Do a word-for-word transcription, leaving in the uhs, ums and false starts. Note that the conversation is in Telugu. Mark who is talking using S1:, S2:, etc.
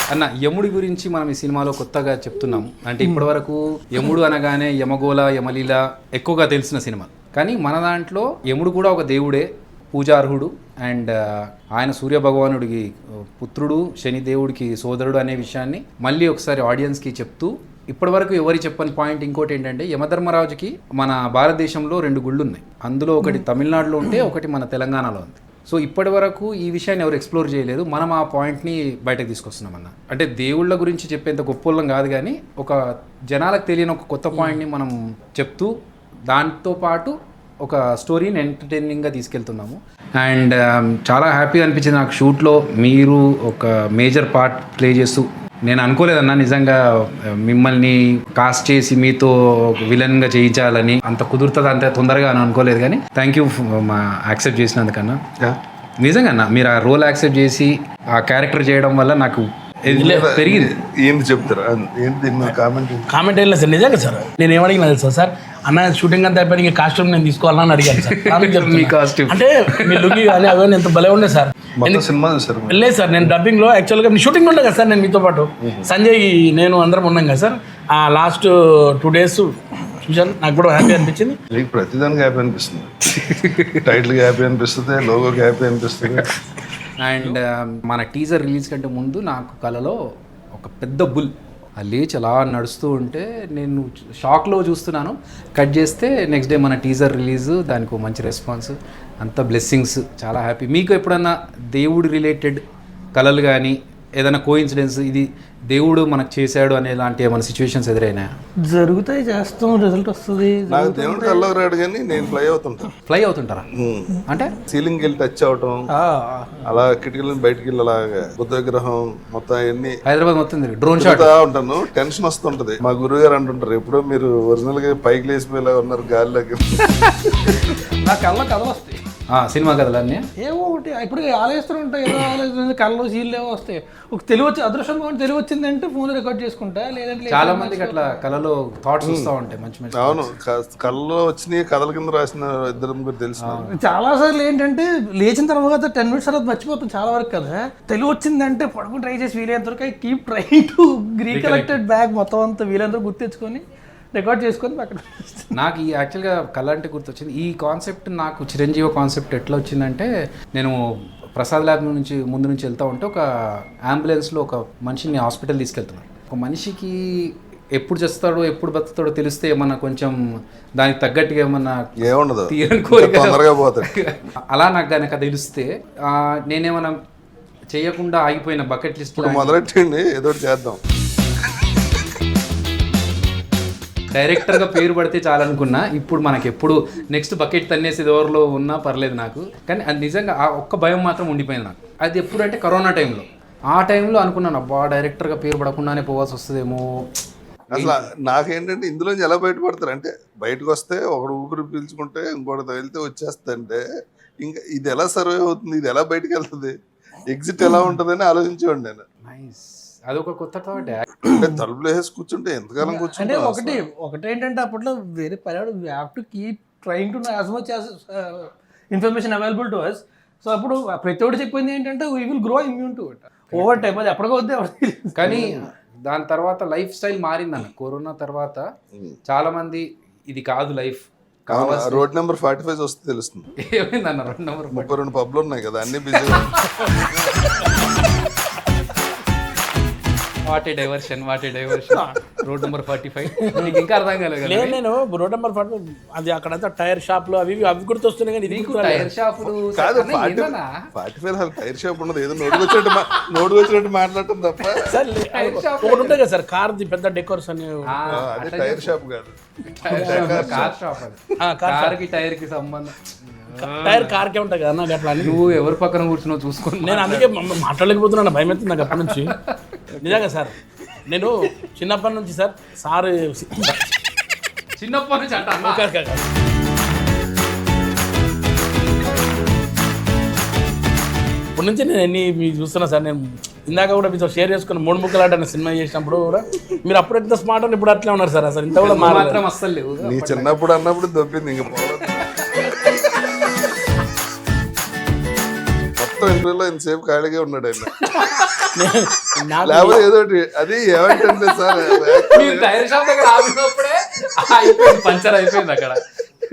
S1: అన్న యముడి గురించి మనం ఈ సినిమాలో కొత్తగా చెప్తున్నాం. అంటే ఇప్పటి వరకు యముడు అనగానే యమగోళ యమలీల ఎక్కువగా తెలిసిన సినిమా, కానీ మన దాంట్లో యముడు కూడా ఒక దేవుడే, పూజార్హుడు. అండ్ ఆయన సూర్య భగవానుడికి పుత్రుడు, శనిదేవుడికి సోదరుడు అనే విషయాన్ని మళ్ళీ ఒకసారి ఆడియన్స్కి చెప్తూ, ఇప్పటివరకు ఎవరి చెప్పని పాయింట్ ఇంకోటి ఏంటంటే, యమధర్మరాజుకి మన భారతదేశంలో రెండు గుళ్ళు ఉన్నాయి. అందులో ఒకటి తమిళనాడులో ఉంటే ఒకటి మన తెలంగాణలో ఉంది. సో ఇప్పటి వరకు ఈ విషయాన్ని ఎవరు ఎక్స్ప్లోర్ చేయలేదు. మనం ఆ పాయింట్ని బయటకు తీసుకొస్తున్నాం అన్న. అంటే దేవుళ్ళ గురించి చెప్పేంత గొప్పలం కాదు, కానీ ఒక జనాలకు తెలియని ఒక కొత్త పాయింట్ని మనం చెప్తూ దాంతోపాటు ఒక స్టోరీని ఎంటర్టైనింగ్గా తీసుకెళ్తున్నాము. అండ్ చాలా హ్యాపీగా అనిపించింది నాకు షూట్లో మీరు ఒక మేజర్ పార్ట్ ప్లే చేస్తూ. నేను అనుకోలేదన్నా నిజంగా మిమ్మల్ని కాస్ట్ చేసి మీతో విలన్గా చేయించాలని, అంత కుదురుతుంది అంత తొందరగా అని అనుకోలేదు. కానీ థ్యాంక్ యూ మా యాక్సెప్ట్ చేసినందుకన్నా. నిజంగా అన్న మీరు ఆ రోల్ యాక్సెప్ట్ చేసి ఆ క్యారెక్టర్ చేయడం వల్ల నాకు పెరిగింది.
S2: ఏంటి చెప్తారా? ఏంటి కామెంట్
S3: కామెంట్ ఏం లేదు సార్, నిజంగా సార్. నేను ఏమడిగినా తెలుసా సార్, అన్న షూటింగ్ అంతా అయిపోయి ఇంకా కాస్ట్యూమ్ నేను తీసుకోవాలని అడిగాను సార్.
S1: మీ కాస్ట్యూమ్
S3: అంటే మీ లుంగి కానీ అవన్నీ ఎంత భలే ఉండే సార్.
S2: సినిమా చూసారు?
S3: లేదు సార్, నేను డబ్బింగ్ లో యాక్చువల్గా షూటింగ్ ఉండే కదా సార్. నేను మీతో పాటు సంజయ్ నేను అందరం ఉన్నాం కదా సార్. ఆ లాస్ట్ టూ డేస్ చూశాను, నాకు కూడా హ్యాపీ అనిపించింది.
S2: మీకు ప్రతిదానికి హ్యాపీ అనిపిస్తుంది. టైటిల్ హ్యాపీ అనిపిస్తుంది, లోగోకి హ్యాపీ అనిపిస్తుంది.
S1: అండ్ మన టీజర్ రిలీజ్ కంటే ముందు నాకు కలలో ఒక పెద్ద బుల్ ఆ లేచి అలా నడుస్తూ ఉంటే నేను షాక్లో చూస్తున్నాను. కట్ చేస్తే నెక్స్ట్ డే మన టీజర్ రిలీజ్, దానికి మంచి రెస్పాన్స్, అంత బ్లెస్సింగ్స్. చాలా హ్యాపీ. మీకు ఎప్పుడన్నా దేవుడు రిలేటెడ్ కళలు కానీ ఏదైనా కోఇన్సిడెన్స్ ఇది దేవుడు మనకు చేశాడు అనే లాంటి ఏమైనా సిచ్యువేషన్స్ ఎదురైనా?
S3: జరుగుతాయి, చేస్తాం, రిజల్ట్ వస్తుంది.
S2: నాకు దేవుడు కల్లో రాడు, కానీ నేను ఫ్లై అవుతుంటా.
S1: ఫ్లై అవుతుంటారా? అంటే
S2: సీలింగ్ వెళ్ళి టచ్ అవటం, అలా కిటికీలను బయటికి వెళ్ళి అలాగా బుద్ధ విగ్రహం మొత్తం అన్ని
S1: హైదరాబాద్ మొత్తం డ్రోన్ షాట్
S2: ఉంటాను. టెన్షన్ వస్తుంటది. మా గురువు గారు అంటుంటారు, ఎప్పుడో మీరు ఒరిజినల్ గా పైకి లేచిపోయేలా ఉన్నారు గాలిలోకి.
S3: నా కళ్ళ కథలు వస్తాయి,
S1: సినిమా కథలన్నీ
S3: ఏమో ఒకటి ఇప్పుడు ఆలోచిస్తూ ఉంటాయి. ఏదో ఆలోచన కళ్ళలో సీన్లు ఏమో వస్తాయి. ఒక తెలివి వచ్చి అదృష్టం తెలివి వచ్చిందంటే ఫోన్ రికార్డ్ చేసుకుంటా, లేదంటే
S1: చాలా మందికి అట్లా కళలో థాట్స్ వస్తూ ఉంటాయి మంచి మంచి.
S2: అవును, కళ్ళలో వచ్చినాయి కథల కింద రాసిన ఇద్దరు ముగ్గురు తెలుసు.
S3: చాలా సార్లు ఏంటంటే లేచిన తర్వాత టెన్ మినిట్స్ తర్వాత మర్చిపోతాం చాలా వరకు కదా. తెలివి వచ్చిందంటే పడుకుని ట్రై చేసి వీలైనంత వరకు I keep try to recollected back మొత్తం అంతా వీలైనంత వరకు గుర్తెచ్చుకొని రికార్డ్ చేసుకొని అక్కడ. నాకు ఈ యాక్చువల్గా కళ అంటే గుర్తొచ్చింది. ఈ కాన్సెప్ట్ నాకు చిరంజీవి కాన్సెప్ట్ ఎట్లా వచ్చిందంటే, నేను ప్రసాద్ ల్యాబ్ నుంచి ముందు నుంచి వెళ్తూ ఉంటే ఒక అంబులెన్స్లో ఒక మనిషిని హాస్పిటల్ తీసుకెళ్తున్నాను. ఒక మనిషికి ఎప్పుడు చేస్తాడో ఎప్పుడు బతుకుతాడో తెలిస్తే ఏమన్నా కొంచెం దానికి తగ్గట్టుగా ఏమన్నా
S2: ఏముండదు,
S1: తీరని కోరిక
S2: పోతాడు.
S1: అలా నాకు కనుక తెలిస్తే నేనేమన్నా చేయకుండా ఆగిపోయిన బకెట్ లిస్ట్
S2: మొదలెట్టండి, ఏదో చేద్దాం.
S1: డైరెక్టర్గా పేరు పడితే చాలనుకున్నా. ఇప్పుడు మనకి ఎప్పుడు నెక్స్ట్ బకెట్ తన్నేసి ఎవరిలో ఉన్నా పర్లేదు నాకు, కానీ అది నిజంగా ఆ ఒక్క భయం మాత్రం ఉండిపోయింది నాకు. అది ఎప్పుడు అంటే కరోనా టైంలో. ఆ టైంలో అనుకున్నాను, అబ్బా డైరెక్టర్గా పేరు పడకుండానే పోవాల్సి వస్తుందేమో.
S2: అసలు నాకేంటంటే ఇందులోంచి ఎలా బయటపడతారు అంటే, బయటకు వస్తే ఒకడు ఊపిరి పీల్చుకుంటే ఇంకోటి తగిలితే వచ్చేస్తుంటే ఇంకా ఇది ఎలా సర్వే అవుతుంది, ఇది ఎలా బయటకు వెళ్తుంది, ఎగ్జిట్ ఎలా ఉంటుందని ఆలోచించేవాడు నేను.
S1: అదొక కొత్త థాట్.
S2: అంటే తలుపులు వేసి కూర్చుంటే ఎంతకాలం కూర్చుంటే
S3: ఒకటి ఒకటి ఏంటంటే అప్పట్లో వేరే పర్యాడు we have to keep trying to know as much as information available to us. So అప్పుడు ప్రతి ఒక్కటి చెప్పింది ఏంటంటే we will grow immune to it over time. అది ఎప్పటికో వద్దే. కానీ దాని తర్వాత లైఫ్ స్టైల్ మారిందన్న. కరోనా తర్వాత చాలా మంది ఇది కాదు life,
S2: road number forty five వస్తే తెలుస్తుంది.
S1: ఏమైందన్న రోడ్ నెంబర్
S2: ముప్పై రెండు పబ్లు ఉన్నాయి కదా, అన్ని busy.
S1: What a diversion, what a diversion. Road number forty five నీకు ఇంకా అర్థం కాలేదు.
S3: నేను రోడ్ నెంబర్ ఫార్టీ అది అక్కడంతా టైర్ షాప్లు అవి అవి గుర్తొస్తున్నాయి, కానీ నీకు
S1: టైర్ షాపులు
S2: కాదు. ఫార్టీ ఫైవ్ టైర్ షాప్ ఉండదు, ఏదో నోటుకు వచ్చినట్టు నోటుకు వచ్చినట్టు మాట్లాడటం తప్ప.
S3: ఒకటి ఉంటాయి కదా సార్, కార్ ది పెద్ద డెకోర్స్ అని.
S2: అదే టైర్ షాప్ కాదు,
S1: కార్ షాప్. అది కార్ కి టైర్ కి సంబంధం.
S3: టైర్ కార్కే ఉంటాయి కదా నాకు. అట్లా
S1: నువ్వు ఎవరి పక్కన కూర్చున్నావు చూసుకోండి.
S3: నేను అందుకే మాట్లాడలేకపోతున్నాను, భయం అవుతుంది నాకు అప్పటి నుంచి. నిజంగా సార్, నేను చిన్నప్పటి నుంచి సార్ సార్
S1: చిన్నప్పటి నుంచి అంట
S3: ఇప్పటి నుంచి నేను ఎన్ని మీరు చూస్తున్నా సార్. నేను ఇందాక కూడా మీతో షేర్ చేసుకుని మూడు ముక్కలు ఆట సినిమా చేసినప్పుడు కూడా మీరు అప్పుడు ఎంత స్మార్ట్ అని ఇప్పుడు అట్లే ఉన్నారు సార్. అసలు ఇంత కూడా
S1: మాత్రం అస్సలు లేవు.
S2: నీ చిన్నప్పుడు అన్నప్పుడు దొబ్బింది ఇంకా మొత్తం ఇంటర్వ్యూలో ఇంతసేపు ఖాళీగా ఉన్నాడు ఆయన.
S3: నాకు
S2: లేకపోతే ఏదో ఒకటి అది ఏమంటే సార్
S1: మీరు టైర్ షాప్ దగ్గర ఆగినప్పుడే అయిపోయింది, పంచర్ అయిపోయింది అక్కడ.